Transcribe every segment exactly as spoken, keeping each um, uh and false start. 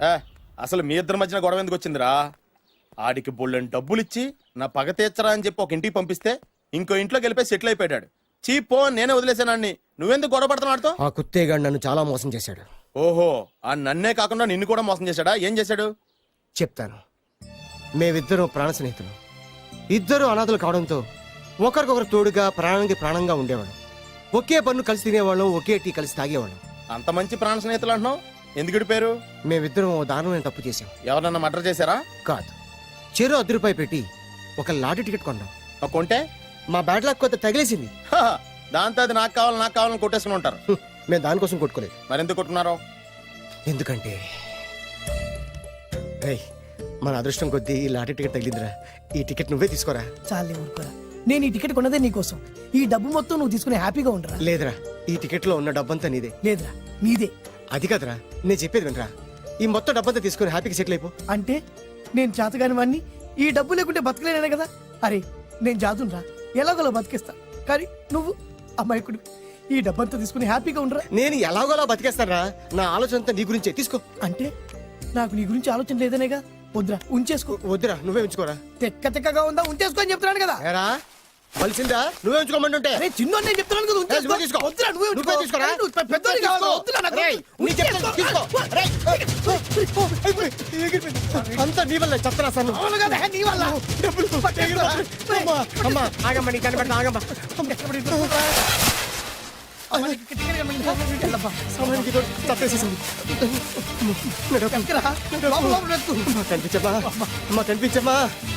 ఏ అసలు మీ ఇద్దరి మధ్యన గొడవ ఎందుకు వచ్చిందిరా? ఆడికి బొళ్ళని డబ్బులు ఇచ్చి నా పగ తీర్చరా అని చెప్పి ఒక ఇంటికి పంపిస్తే ఇంకో ఇంట్లో గెలిపే సెటిల్ అయిపోయాడు. చీపో నేనే వదిలేసానాన్ని. నువ్వెందుకు గొడవ పడుతున్నాడుతో? ఆ కుత్తేగాడు నన్ను చాలా మోసం చేశాడు. ఓహో, ఆ నన్నే కాకుండా నిన్ను కూడా మోసం చేశాడా? ఏం చేశాడు చెప్తాను. మేమిద్దరం ప్రాణ స్నేహితులు. ఇద్దరు అనాథలు కావడంతో ఒకరికొకరు తోడుగా ప్రాణానికి ప్రాణంగా ఉండేవాళ్ళం. ఒకే పన్ను కలిసి తినేవాళ్ళం, ఒకే టీ కలిసి తాగేవాళ్ళం. అంత మంచి ప్రాణ స్నేహితులు అంటున్నావు, ఎందుకు పేరు? మేమిద్దరం ఓ దారుణమైన తప్పు చేసాం. ఎవరన్నా మర్డర్ చేశారా? కాదు, చెరో అర్ధ రూపాయి పెట్టి ఒక లాటరీ టికెట్ కొన్నాం. కొంటే మా బ్యాడ్ లక్ కొంత తగిలేసింది. దాంతో అది నాకు కావాలి నాకు కావాలని కొట్టేసుకుని ఉంటారు. మేము దానికోసం కొట్టుకోలేదు. మరెందుకు కొట్టుకున్నారో? ఎందుకంటే ఏయ్, మన అదృష్టం కొద్దీ ఈ లాటరీ టికెట్ తగిలిందిరా. ఈ టికెట్ నువ్వే తీసుకోరా. చాలే ఊరుకోరా, నేను ఈ టికెట్ కొన్నదే నీకోసం. ఈ డబ్బు మొత్తం నువ్వు తీసుకుని హ్యాపీగా ఉండరా. లేదురా, ఈ టికెట్ లో ఉన్న డబ్బంతా నీదే. లేదురా, నీదే. అది కాదురా, నేను చెప్పేది వినరా. ఈ మొత్తం డబ్బంతా తీసుకుని హ్యాపీగా సెటిల్ అయిపో. అంటే నేను చేతగాని వాడిని, ఈ డబ్బు లేకుంటే బతకలేనే కదా. అరే నేను జాతునరా, ఎలాగోలా బతికేస్తా. కానీ నువ్వు అమాయకుడు, ఈ డబ్బంతా తీసుకుని హ్యాపీగా ఉండరా. నేను ఎలాగోలా బతికేస్తానరా. నా ఆలోచన అంతా నీ గురించే. తీసుకో. అంటే నాకు నీ గురించి ఆలోచన లేదనేగా. వద్దురా, ఉంచేసుకో. వద్దురా, నువ్వే ఉంచుకోరా. తెక్క తెక్కగా ఉందా, ఉంచేసుకో అని చెప్తున్నాను కదా. ఏరా కలిసిందా? నువ్వే ఉంచుకోమంటుంటే. అరే చిన్న నేను చెప్తున్నాను కదా, ఉంచేసుకో. తీసుకో. వద్దురా, నువ్వే నువ్వే తీసుకోరా. పెద్దోడి కావాలి. వద్దురా నాకు. రేయ్, నీ చెప్తాను, తీసుకో. రేయ్. అంతా నీ వల్ల చెప్తారా సార్? అవును కదా, నీ వల్ల. అమ్మా, అమ్మా, ఆగమ్మా, నీ కనిపెడతా, ఆగమ్మా. సమయానికి ఇదో తప్పేసేసింది. కనిపించమ్మా, అమ్మా కనిపించమ్మా.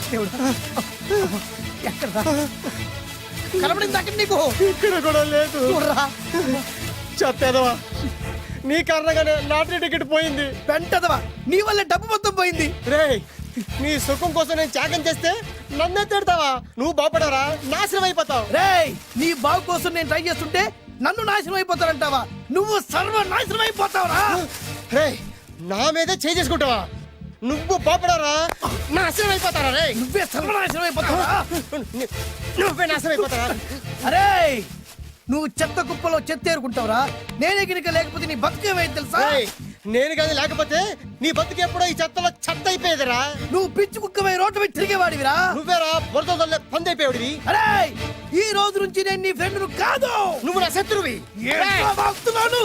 కనబడింది అక్కడ నీకు. ఇక్కడ కూడా లేదు. చెప్పేదవా, నీ కారణంగానే లాటరీ టికెట్ పోయింది. వెంటదవా, నీ వల్ల డబ్బు మొత్తం పోయింది. రేయ్, నీ సుఖం కోసం నేను త్యాగం చేస్తే నన్నే తిడతావా? నువ్వు బాగుపడరా, నాశనం అయిపోతావు. రేయ్, నీ బాగు కోసం నేను ట్రై చేస్తుంటే నన్ను నాశనం అయిపోతానంటావా? నువ్వు సర్వ నాశనం అయిపోతావురా. రేయ్, నా మీదే చేయి చేసుకుంటావా? నువ్వు బాగుపడరా, నాశనం అయిపోతారా? రే, నువ్వే సర్వనాశనం అయిపోతావా? నువ్వే నాశనం అయిపోతారా? అరే, నువ్వు చెత్త కుప్పలో చెత్త ఏరుకుంటావురా. నేనే గినక లేకపోతే నీ బతుకేమైంది తెలుసా? రేయ్, నేను కాదు లేకపోతే నీ బతుకు ఎప్పుడో ఈ చెత్తలో చెత్త అయిపోయేదిరా. నువ్వు పిచ్చి కుక్కమై రోడ్డు మీద తిరిగేవాడివిరా. నువ్వేరా బురదలే పంది అయిపోయాడివి. అరే, ఈ రోజు నుంచి నేను నీ ఫ్రెండ్ ను కాదు, నువ్వు నా శత్రువి. వాగుతున్నాను.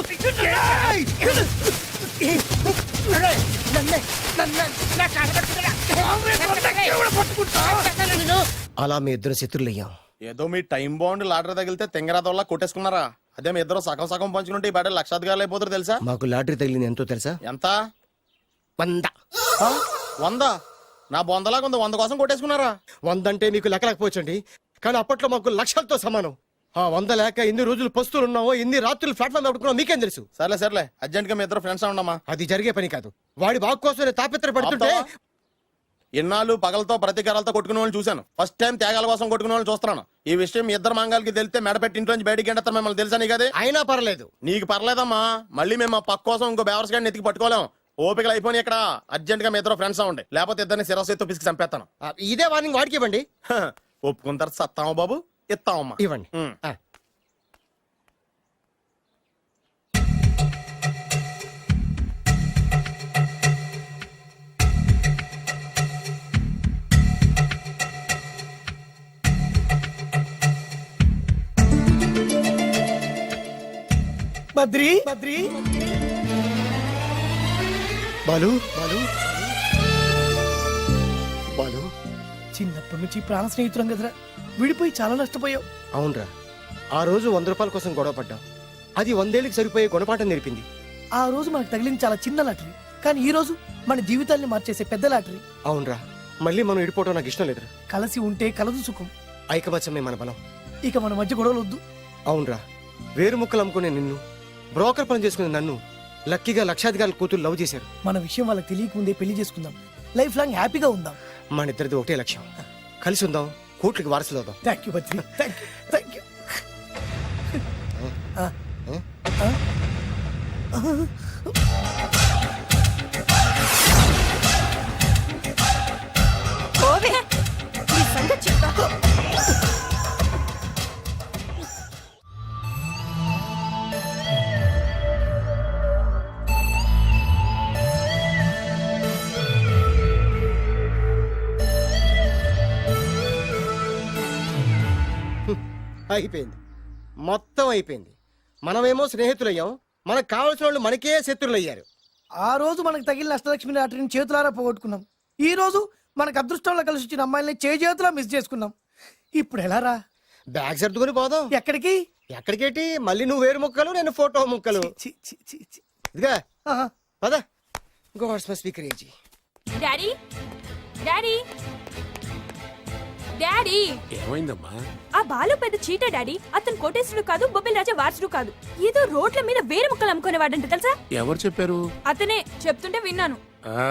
అలా మీ ఇద్దరు శత్రులయ్యాం. ఏదో మీ టైం బాండ్ లాటరీ తగిలితే తెంగరాదోళ్ళ కొట్టేసుకున్నారా? అదే మీ ఇద్దరు సగం సగం పంచుకుంటే ఈ బయట లక్షాధికారులు అయిపోతారు తెలుసా? మాకు లాటరీ తగిలింది ఎంతో తెలుసా? ఎంత? వంద. వంద? నా బొందలాగా ఉంది, వంద కోసం కొట్టేసుకున్నారా? వంద అంటే మీకు లెక్కలేకపోవచ్చండి, కానీ అప్పట్లో మాకు లక్షలతో సమానం. ఆ వంద లేక ఎన్ని రోజులు పస్తులు ఉన్నావో, ఎన్ని రాత్రులు ప్లాట్ఫామ్ పెట్టుకున్నావు మీకేం తెలుసు? సర్లే సర్లే, అర్జెంట్ గా మీ ఇద్దరు ఫ్రెండ్స్ ఉండమ్మా. అది జరిగే పని కాదు. వాడి బాగు కోసం తాపిత్ర పడుతుంటే ఇన్నాళ్ళు పగలతో ప్రతీకారాలతో కొట్టుకునే వాళ్ళు చూశాను. ఫస్ట్ టైం త్యాగాల కోసం కొట్టుకునే వాళ్ళు చూస్తున్నాను. ఈ విషయం మీ ఇద్దరు మంగాలకి తెలిస్తే మెడపెట్టి ఇంట్లో నుంచి బయటికి ఎండతారు. మిమ్మల్ని తెలుసా నీకు? అదే అయినా పర్లేదు. నీకు పర్లేదమ్మా, మళ్ళీ మేము మా పక్క కోసం ఇంకో బేవర్స్ గాడిని ఎత్తికి పట్టుకోలేం. ఓపికలు అయిపోయి ఇక్కడ అర్జెంట్ గా మీ ఇద్దరు ఫ్రెండ్స్ ఉండే, లేకపోతే ఇద్దరిని శిరస్సు ఎత్తు పిసికి చంపేస్తాను. ఇదే వార్నింగ్ వాడికి ఇవ్వండి. ఒప్పుకుంటారు సత్తామా బాబు? ఇస్తామమ్మా, ఇవ్వండి. బద్రి బద్రి బాలు బాలు బాలు, చిన్నప్పటి నుంచి ప్రాణ స్నేహితులం కదరా, విడిపోయి చాలా నష్టపోయావు. అవునరా, ఆ రోజు వంద రూపాయల కోసం గొడవ పడ్డాం. అది వందేళ్ళకి సరిపోయే గుణపాఠం నేర్పింది. ఆ రోజు మనకు తగిలింది చాలా చిన్న లాటరీ, కానీ ఈ రోజు మన జీవితాల్ని మార్చేసే పెద్ద లాటరీ. అవునరా, మళ్ళీ మనం విడిపోవడం నాకు ఇష్టం లేదురా. కలిసి ఉంటే కలదు సుఖం. ఐకమత్యమే మన బలం. ఇక మన మధ్య గొడవలు వద్దు. అవునరా, వేరు ముక్కలు అమ్ముకునే నిన్ను, బ్రోకర్ పని చేసుకునే నన్ను లక్కీగా లక్షాధికారుల కూతురు లవ్ చేశారు. మన విషయం వాళ్ళకి తెలియకముందే పెళ్లి చేసుకుందాం, లైఫ్ లాంగ్ హ్యాపీగా ఉందాం. మన ఇద్దరిది ఒకటే లక్ష్యం, కలిసి ఉందాం, కోట్లకి వారసులు అవుదాం. Thank you Badri, thank you thank you. ఓవే, ఈ సంగతి చెప్తా. అయిపోయింది, మొత్తం అయిపోయింది. మనమేమో స్నేహితులయ్యాం, మనకు కావాల్సిన వాళ్ళు మనకే శత్రులు అయ్యారు. ఆ రోజు మనకు తగిలిన అష్టలక్ష్మి లాటరీని చేతులారా పోగొట్టుకున్నాం. ఈ రోజు మనకు అదృష్టంలో కలిసి వచ్చిన అమ్మాయిల్ని చేతులా మిస్ చేసుకున్నాం. ఇప్పుడు ఎలా రా? బ్యాగ్ సర్దుకుని పోదాం. ఎక్కడికి? ఎక్కడికేటి? మళ్ళీ నువ్వు వేరు ముక్కలు, నేను ఫోటో ముక్కలు. చి, చి, చి, చి. ఇదిగా ఆహా. పద. Gods must be crazy. Daddy daddy daddy ఏమైందమ్మా? ఆ బాలు పెద్ద చీట డాడీ. అతను కోటేశ్వరుడు కాదు, బొబ్బిల్ రాజా వారసుడు కాదు. ఏదో రోడ్ల మీద వేరే ముక్కలు అమ్ముకునేవాడంట తెలుసా? ఎవరు చెప్పారు? అతనే చెప్తుంటే విన్నాను. ఆ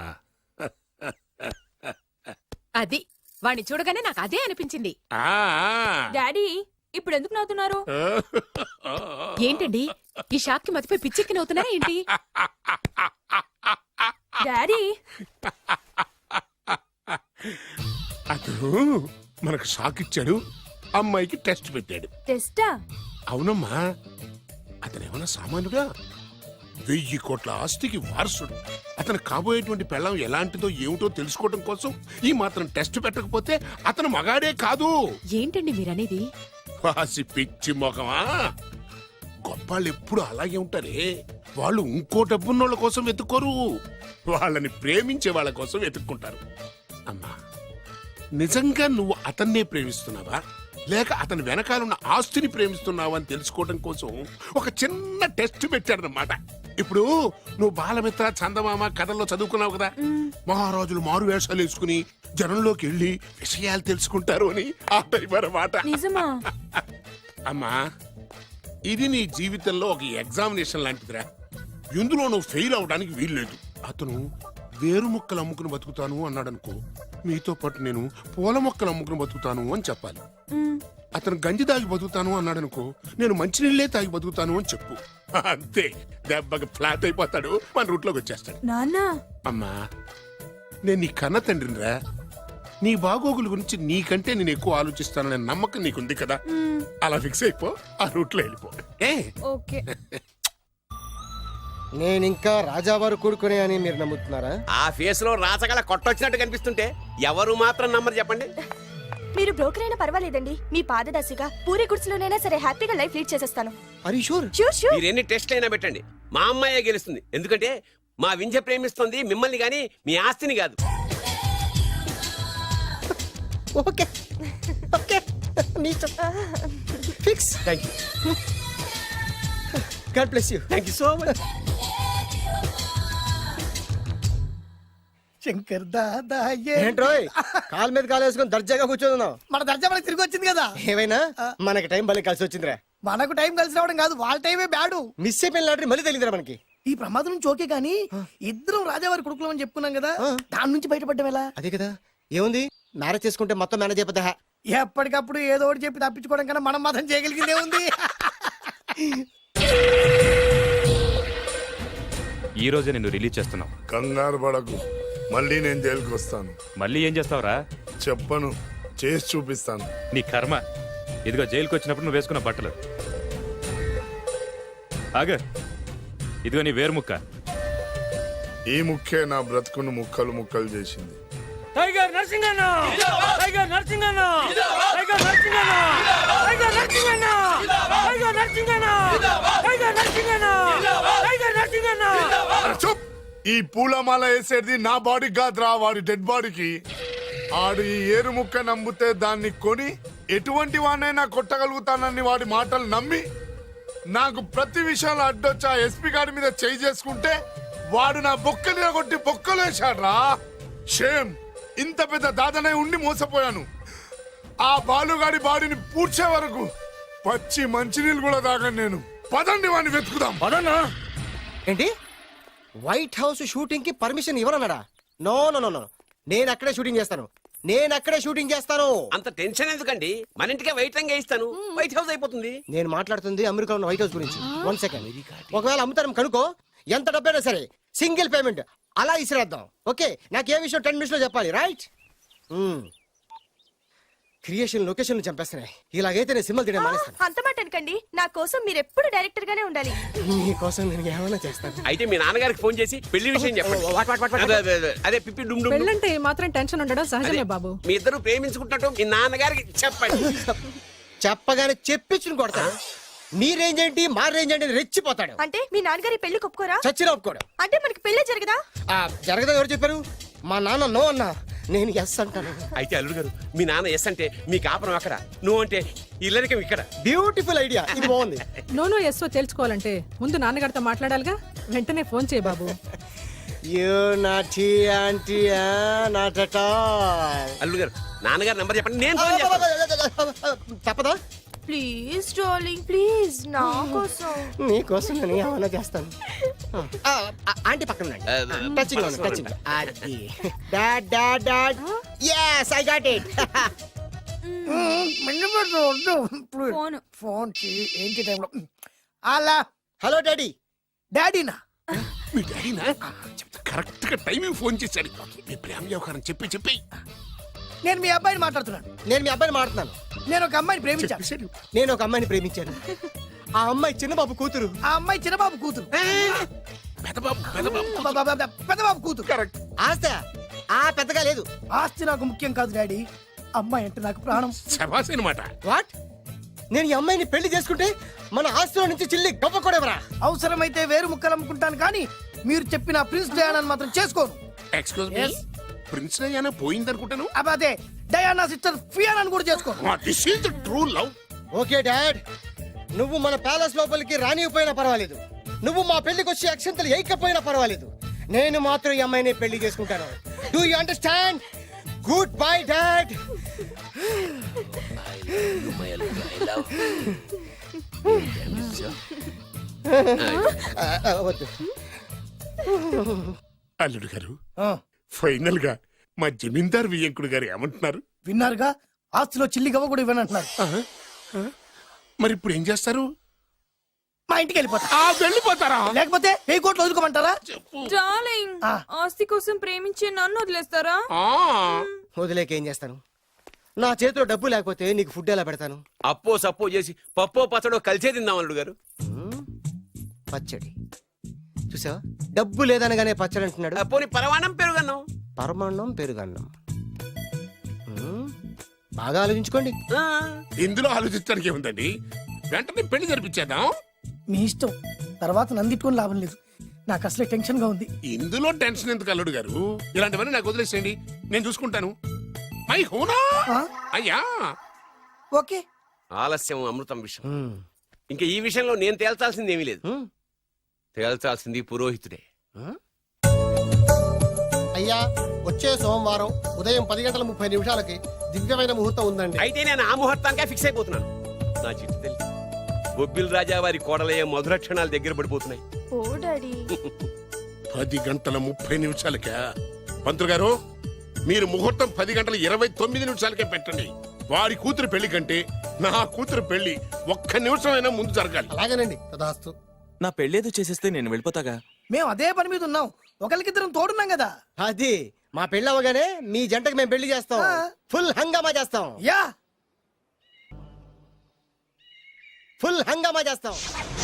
అది వాణ్ణి చూడగానే నాకు అదే అనిపించింది. ఆ, ఆ. డాడీ ఇప్పుడు ఎందుకు నవ్వుతున్నారు? ఏంటండి ఈ షాక్ కి మతిపోయి పిచ్చెక్కి నవ్వుతున్నారా ఏంటి? డాడీ అతను మనకు షాక్ ఇచ్చాడు, అమ్మాయికి టెస్ట్ పెట్టాడు. టెస్టా? అవునమ్మా, అతనేమన్నా సామాన్యుడా? వెయ్యి కోట్ల ఆస్తికి వారసుడు. అతను కాబోయేటువంటి పెళ్ళం ఎలాంటిదో ఏమిటో తెలుసుకోవడం కోసం ఈ మాత్రం టెస్ట్ పెట్టకపోతే అతను మగాడే కాదు. ఏంటండి మీరనేది? వాసి పిచ్చి మొఖమా, గొప్పాళ్ళు ఎప్పుడు అలాగే ఉంటారే. వాళ్ళు ఇంకో డబ్బున్నోళ్ళ కోసం వెతుక్కోరు, వాళ్ళని ప్రేమించే వాళ్ళ కోసం వెతుక్కుంటారు. అమ్మా, నిజంగా నువ్వు అతన్నే ప్రేమిస్తున్నావా లేక అతని వెనకాలన్న ఆస్తిని ప్రేమిస్తున్నావా అని తెలుసుకోవడం కోసం ఒక చిన్న టెస్ట్ పెట్టాడనమాట. ఇప్పుడు నువ్వు బాలమిత్ర, చందమామ కథల్లో చదువుకున్నావు కదా, మహారాజులు మారు వేషాలు వేసుకుని జనంలోకి వెళ్ళి విషయాలు తెలుసుకుంటారు అని ఆ టైప్ అన్నమాట. నిజమా? అమ్మా, ఇది నీ జీవితంలో ఒక ఎగ్జామినేషన్ లాంటిదిరా. ఇందులో నువ్వు ఫెయిల్ అవడానికి వీల్లేదు. అతను వేరు మొక్కలు అమ్ముకుని బతుకుతాను అన్నాడు అనుకో, మీతో పాటు నేను పూల మొక్కలు అమ్ముకుని బతుకుతాను అని చెప్పాలి. అతను గంజి తాగి బతుకుతాను అన్నాడు అనుకో, నేను మంచినీళ్ళే తాగి బతుకుతాను అని చెప్పు. అంతే, దెబ్బకి ఫ్లాట్ అయిపోతాడు, మన రూట్లోకి వచ్చేస్తాడు. నాన్న అమ్మా, నేను నీ కన్న తండ్రినిరా. నీ బాగోగుల గురించి నీకంటే నేను ఎక్కువ ఆలోచిస్తాననే నమ్మకం నీకుంది కదా, అలా ఫిక్స్ అయిపో, ఆ రూట్లో వెళ్ళిపో. ఏ ఓకే. నేను ఇంకా రాజావారు కూడుకునే అని మీరు నమ్ముతున్నారా? ఆ ఫేస్ లో రాచగల కొట్టొచ్చినట్టు కనిపిస్తుంటే ఎవరు మాత్రం నమ్మరు చెప్పండి. మీరు బ్రోకర్ అయినా పర్వాలేదండి. మీ పాదదాసిగా పూరి గుడిసెలోనైనా సరే హ్యాపీగా లైఫ్ లీడ్ చేసేస్తాను. Are you sure? Sure sure. మీరు ఎన్ని టెస్ట్లు అయినా పెట్టండి, మా అమ్మాయే గెలుస్తుంది. ఎందుకంటే మా వింజ ప్రేమిస్తుంది మిమ్మల్ని గాని మీ ఆస్తిని కాదు. Okay okay, fix. Thank you god bless you. Thank you so much. Shankar Dada ఏ- ఏంట్రోయ్ కాలు మీద కాలు వేసుకొని దర్జాగా కూర్చోదున్నావు? మన దర్జా మనకి తిరిగి వచ్చింది కదా. ఏమైనా మనకి టైం భలే కలిసి వచ్చిందిరా. మనకు టైం కలిసి రావడం కాదు, వాళ్ళ టైమే బ్యాడు. మిస్ అయిపోయిన లాటరీ మళ్ళీ తెలియదురా మనకి. ఈ ప్రమాదం నుంచి ఓకే గానీ ఇద్దరం రాజావారి కొడుకులం అని చెప్పుకున్నాం కదా, దాని నుంచి బయటపడ్డం ఎలా? అదే కదా, ఏముంది మ్యారేజ్ చేసుకుంటే మొత్తం మేనేజ్ అయిపోతా. ఎప్పటికప్పుడు ఏదో ఒకటి చెప్పి తప్పించుకోవడం కన్నా మనం మాత్రం చేయగలిగిందే ఉంది. ఈ రోజే నిన్ను రిలీజ్ చేస్తున్నాం. కంగారు పడకు, మళ్ళీ నేను జైలుకి వస్తాను. మళ్ళీ ఏం చేస్తావురా? చెప్పను, చేసి చూపిస్తాను. నీ కర్మ. ఇదిగో జైలుకి వచ్చినప్పుడు నువ్వు వేసుకున్న బట్టలు. ఆగ, ఇదిగో నీ వేరు ముక్క. ఈ ముక్కే నా బ్రతుకును ముక్కలు ముక్కలు చేసింది. టైగర్ నరసింగన్న, టైగర్ నరసింగన్న, టైగర్ నరసింగన్న, టైగర్ నరసింగన్న, టైగర్ నరసింగన్న, టైగర్ నరసింగన్న, టైగర్ నరసింగన్న. చూప్, ఈ పూలమాల వేసేది నా బాడీ కాదురా, వాడి డెడ్ బాడీకి. ఆడు ఈ ఏరు ముక్క నమ్మితే దాన్ని కొని ఎటువంటి వాడినైనా కొట్టగలుగుతానని వాడి మాటలు నమ్మి నాకు ప్రతి విషయంలో అడ్డొచ్చా ఎస్పీ గారి మీద చేయి చేసుకుంటే వాడు నా బొక్కని కొట్టి బొక్కలు వేశాడ్రా. షేమ్, ఇంత పెద్ద దాదనే ఉండి మోసపోయాను. ఆ బాలుగాడి బాడీని పూడ్చే వరకు పచ్చి మంచినీళ్ళు కూడా తాగను నేను. పదండి వాడిని వెతుకుదాం. పదన్నా. ఏంటి వైట్ హౌస్ షూటింగ్ కి పర్మిషన్ ఇవ్వరన్నాడా? నో నో నో నో, నేను అక్కడే షూటింగ్ చేస్తాను, నేను అక్కడే షూటింగ్ చేస్తాను. అంత టెన్షన్ ఎందుకండి, మన ఇంటికే వైట్ రంగు వేయిస్తాను, వైట్ హౌస్ అయిపోతుంది. నేను మాట్లాడుతుంది అమెరికా ఉన్న వైట్ హౌస్ గురించి. వన్ సెకండ్, ఒకవేళ అమ్ముతారం కనుకో, ఎంత డబ్బైనా సరే సింగిల్ పేమెంట్ అలా ఇసిరేద్దాం. ఓకే, నాకు ఏ విషయం టెన్ మినిట్స్ లో చెప్పాలి, రైట్? Creation location చంపేస్తున్నాయి. ఇలాగైతే నేను సినిమాలు తీయడం మానేస్తాను. అంత మాట అనకండి, నా కోసం మీరు ఎప్పుడు డైరెక్టర్ గానే ఉండాలి. నీకోసం నేను ఏమైనా చేస్తాను. అయితే మీ నాన్నగారికి ఫోన్ చేసి పెళ్లి విషయం చెప్పండి. అదే, అదే, అదే, అదే పిప్పి డుమ్ డుమ్ డుమ్. పెళ్ళంటే మాత్రం టెన్షన్ ఉండడం సహజమే బాబు. మీ ఇద్దరు ప్రేమించుకుంటున్నట్టు మీ నాన్నగారికి చెప్పండి. చెప్పగానే చెప్పించుని కొడతాడు. మీ రేంజ్ ఏంటి మా రేంజ్ ఏంటి అని రెచ్చిపోతాడు. అంటే మీ నాన్నగారి పెళ్లి ఒప్పుకోరా? చచ్చిన ఒప్పుకోడు. అంటే మనకి పెళ్లి జరగదా? ఆ, జరగదని ఎవరు చెప్పారు? మా నాన్న నో అన్నా, నేను ఎస్ అంటాను. అయితే అల్లుడు గారు మీ నాన్న ఎస్ అంటే మీ కాపురం అక్కడ, నువ్వు అంటే ఇల్లరికం ఇక్కడ. బ్యూటిఫుల్ ఐడియా, ఇది బాగుంది. నోనో ఎస్ఓ తెలుసుకోవాలంటే ముందు నాన్నగారితో మాట్లాడాలిగా. వెంటనే ఫోన్ చేయి బాబు. You naughty aunty not at all. అల్లుడు గారు నాన్నగారు నంబర్ చెప్పండి, నేను ఫోన్ చేస్తాను. తప్పదా? ప్లీజ్ డార్లింగ్ ప్లీజ్ నా కోసం. నీకోసం నేను ఏమైనా చేస్తాను. ఆ, ఆ, ఆంటీ పక్కన ఉండండి. టచింగ్ ఉంది, టచింగ్. అది dad dad dad yes I got it. Phone phone చెయ్యి. ఏంటి టైంలో అలా హలో డాడీ. డాడీనా? మీ డాడీనా చెప్తా, కరెక్ట్ గా టైమింగ్ ఫోన్ చేశాడు. మీ ప్రేమ వ్యవహారం చెప్పి చెప్పి నేను మీ అబ్బాయిని మాట్లాడుతున్నాను. నేను మీ అబ్బాయిని మాట్లాడుతున్నాను. నేను ఒక అమ్మాయిని ప్రేమించాను. చెప్పేశాడు. నేను ఒక అమ్మాయిని ప్రేమించాను. ఆ అమ్మాయి చిన్న బాబు కూతురు. ఆ అమ్మాయి చిన్నబాబు కూతురు. పెదబాబు పెదబాబు అబ్బబ్బబ్బబ్బ, పెద్దబాబు కూతురు. కరెక్ట్. ఆస్త ఆ పెద్దగా లేదు. ఆస్తి నాకు ముఖ్యం కాదు డాడీ, అమ్మాయి అంటే నాకు ప్రాణం. శబాస్ అనమాట. వాట్? నేను ఈ అమ్మాయిని పెళ్లి చేసుకుంటే మన ఆస్తిలో నుంచి చిల్లి గవ్వ కూడా ఎవరా? అవసరమైతే వేరు ముక్కలు అమ్ముకుంటాను కానీ మీరు చెప్పిన ప్రిన్స్ డయానాని మాత్రం చేసుకోను. Excuse me, Yes. ప్రిన్స్ అయ్యానా పోయిందనుకుంటాను. అదే డయానా సిస్టర్ ఫియానాని కూడా చేసుకోను. This is the true love. Okay dad, నువ్వు మన ప్యాలెస్ లోపలికి రానిపోయినా పర్వాలేదు, నువ్వు మా పెళ్లికి వచ్చి అక్షంతలు వేయకపోయినా పర్వాలేదు, నేను మాత్రం ఈ అమ్మాయిని పెళ్లి చేసుకుంటాను. Do you understand? Good bye dad. వద్దు. అల్లుడు గారు, ఆ, ఫైనల్ గా మా జమీందార్ వియ్యంకుడు గారు ఏమంటున్నారు? విన్నారుగా, ఆస్తిలో చిల్లి గవ్వ కూడా ఇవ్వనంటున్నారు. మరి ఇప్పుడు ఏం చేస్తారు? మా ఇంటికి వెళ్ళిపోతా. ఆ వెళ్ళిపోతారా? లేకపోతే వెయ్యి కోట్లు వదులుకోమంటారా? డార్లింగ్ ఆ. ఆస్తి కోసం ప్రేమించే నన్ను వదిలేస్తారా? ఆ, వదిలేక ఏం చేస్తాను? నా చేతిలో డబ్బు లేకపోతే నీకు ఫుడ్ ఎలా పెడతాను? అప్పో సప్పో చేసి పప్పో పచ్చడో కలిసే తిందాం అల్లుడు గారు. మ్మ్. పచ్చడి చూసావా? డబ్బు లేదనగానే పచ్చడి అంటున్నాడు. ఆ, పోనీ పరవాణం పెరుగన్నాం. పరమాన్నం పెరుగన్నం. మ్మ్. బాగా ఆలోచించుకోండి. ఆ, ఇందులో ఆలోచించడానికి ఏముందండి, వెంటనే పెళ్లి జరిపించేద్దాం. మీ ఇష్టం, తర్వాత నందిట్టుకొని లాభం లేదు. నాకు అసలే టెన్షన్ గా ఉంది. ఇందులో టెన్షన్ ఎందుకు అల్లుడు గారు? ఇలాంటివన్నీ నాకు వదిలేసేయండి, నేను చూసుకుంటాను. మై హోనా ఆ? అయ్యా. ఓకే. ఆలస్యం అమృతం విషయం. మ్మ్. ఇంకా ఈ విషయంలో నేను తేల్చాల్సింది ఏమీ లేదు, మ్మ్. తేల్చాల్సింది పురోహితుడే. అయ్యా, వచ్చే సోమవారం ఉదయం పది గంటల ముప్పై నిమిషాలకి దివ్యమైన ముహూర్తం ఉందండి. అయితే నేను ఆ ముహూర్తానికే ఫిక్స్ అయిపోతున్నాను. నా చిట్టు తల్లి బొబ్బిల్ రాజా వారి కోడలయ్యే మధుర క్షణాలు దగ్గర పడిపోతున్నాయి. Oh daddy. పది గంటల ముప్పై నిమిషాలకా? పంతులు గారు, మీరు ముహూర్తం పది గంటల ఇరవై తొమ్మిది నిమిషాలకే పెట్టండి. వారి కూతురు పెళ్లి కంటే నా కూతురు పెళ్లి ఒక్క నిమిషమైనా ముందు జరగాలి. అలాగేనండి, తదాస్తు. నా పెళ్ళేదో చేసేస్తే నేను వెళ్ళిపోతాగా. మేము అదే పని మీద ఉన్నాం, ఒకరికిద్దరం తోడున్నాం కదా. అది మా పెళ్ళి అవగానే మీ జంటకి మేము పెళ్లి చేస్తాం. ఆ. ఫుల్ హంగామా చేస్తాం. యా ఫుల్ హంగామా చేస్తాం.